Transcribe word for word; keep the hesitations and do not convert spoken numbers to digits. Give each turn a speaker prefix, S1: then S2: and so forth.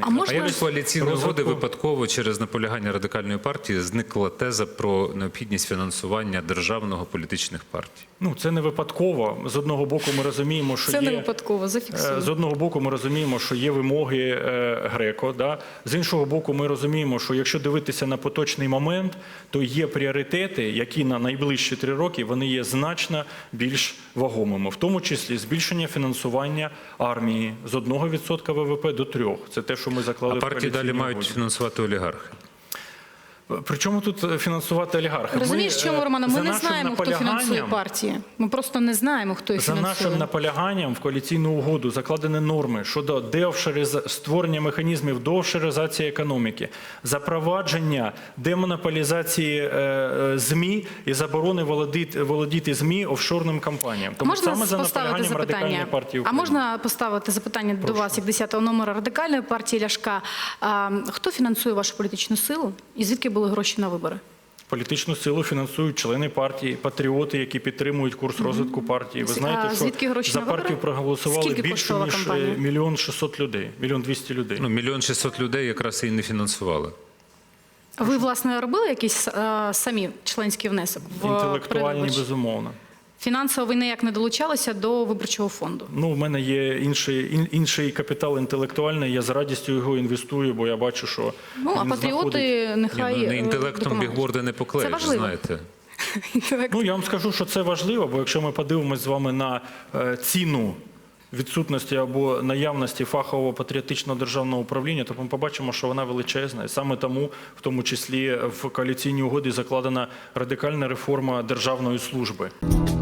S1: А,
S2: А
S1: можна...
S2: як з коаліційної
S1: розвитку...
S2: угоди випадково через наполягання Радикальної партії зникла теза про необхідність фінансування державного політичних партій?
S1: Ну, це не випадково. З одного боку ми розуміємо, що
S3: це
S1: є...
S3: не випадково, зафіксую.
S1: З одного боку ми розуміємо, що є вимоги е, Греко. Да? З іншого боку ми розуміємо, що якщо дивитися на поточний момент, то є пріоритети, які на найближчі три роки вони є значно більш вагомими. В тому числі збільшення фінансування армії з одного відсотка ВВП до трьох. Це те, що ми заклали
S2: А
S1: в
S2: партії далі
S1: коаліційній
S2: мають
S1: угоді.
S2: фінансувати олігархи.
S1: Причому тут фінансувати олігархи?
S3: Розумієш, чому, Романа? Ми не знаємо, хто фінансує
S1: наполяганням-
S3: партії. Ми просто не знаємо, хто їх
S1: За
S3: фінансує.
S1: нашим наполяганням в коаліційну угоду закладені норми щодо деофшориза... створення механізмів деофшоризації економіки, запровадження демонополізації е, е, ЗМІ і заборони володіти, володіти ЗМІ офшорним компаніям. Тому
S3: Можна
S1: саме за
S3: поставити
S1: наполяганням Радикальної
S3: запитання?
S1: партії
S3: А
S1: України.
S3: можна поставити запитання до вас, як десятого номера Радикальної партії Ляшка? А, хто фінансує вашу політичну силу і звідки були гроші на вибори?
S1: Політичну силу фінансують члени партії, патріоти, які підтримують курс розвитку партії. Ви знаєте,
S3: А
S1: що
S3: звідки гроші
S1: за
S3: на вибори?
S1: партію проголосували
S3: Скільки
S1: більше,
S3: коштувала
S1: ніж
S3: кампанія?
S1: мільйон шістсот людей, мільйон двісті людей.
S2: Ну, мільйон шістсот людей якраз і не фінансували.
S3: Ви, власне, робили якийсь а, самі членський внесок? в
S1: Інтелектуальні,
S3: передвиборчі?
S1: безумовно.
S3: Фінансово ви ніяк не долучалися до виборчого фонду?
S1: Ну, в мене є інший, ін- інший капітал інтелектуальний, я з радістю його інвестую, бо я бачу, що
S3: Ну, а
S1: він
S3: патріоти
S1: знаходить-
S3: нехай
S2: Ні, ну, не
S3: е,
S2: інтелектом
S3: допоможуть.
S2: бігборди не поклеїш,
S3: Це важливо.
S2: знаєте.
S3: Інтелект.
S1: Ну, я вам скажу, що це важливо, бо якщо ми подивимось з вами на е, ціну відсутності або наявності фахового патріотичного державного управління, то ми побачимо, що вона величезна. І саме тому, в тому числі, в коаліційній угоді закладена радикальна реформа державної служби.